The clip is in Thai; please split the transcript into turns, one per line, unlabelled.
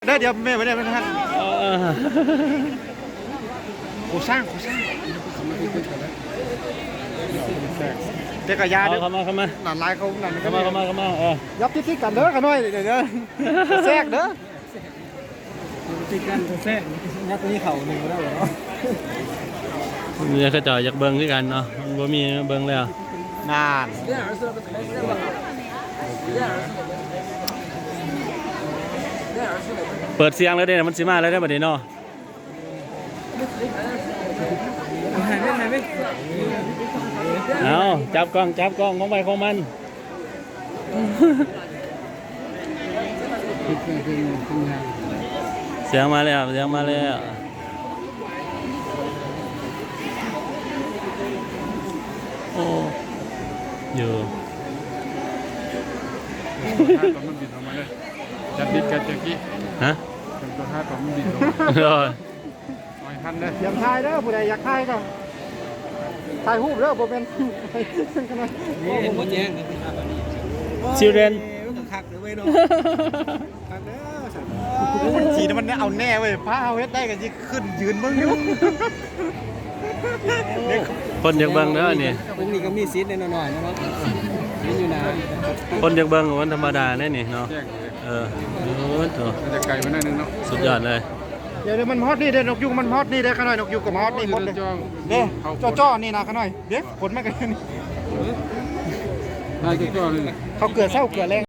ได้เดี๋ยวแม่ไปได้ไหมท่านโคสร้างเด็กกระยาเด้อ
เข้ามา
หลานลายเขาหลาน
เข้ามา
ยับที่กันเด้อกันหน่อยเดี๋ยวแทรกเด้อ
ติดกันแท้ยักษ์นี่เข่าหนึ่งก็ได้เหรอ
เนี่ยเขาจ่อยอยากเบิ้งด้วยกันเนาะบ่มีเบิ้งแล้ว
นาน
เปิดเสียงแล้วเด้มันสิมาแล้วได้บัดนี้เนาะเอาจับกล้องของไปของมันเสียงมาแล้วโอ้อยู่
ตัวมันบินออกมาเลยจะบิดกันจะกี้
ฮะ
ตัวห้าตัวมันบินลงไม่ทันเลย
เตรียมถ่ายเด้อผู้ใดอยากถ่ายก็ถ่ายรูปเด้อบ่เป็น
นี่เห็นหมดแจ้ง
ชิลเดน
คักเด้อเว้ยเนาะคักเด้อ
สีมันเอาแน่เว้ยพาเอาเฮ็ดได้กันสิขึ้นยืนเบิ่งอยู่
คนอยากเบิ่งเด้อนี่
พวกนี้ก็มีซีดหน่อยๆนะครับนี่อยู่นะ
คนอยากเบิ่งวันธรรมดาแน่นี่เนาะโอ้โห
จะไกลไปหน่อยนึงเนาะ
สุดยอดเลย
เดี๋ยวมันฮอตนี่เด้อนกยุงมันฮอตนี่เด้อขน่อยนกยุงกับฮอตนี่หมดเลยเด้จ้อนี่นะขน่อยเด้ผลมากันนี่
ได้จ้อเลย
เขาเกลือเศร้าเกลือแรง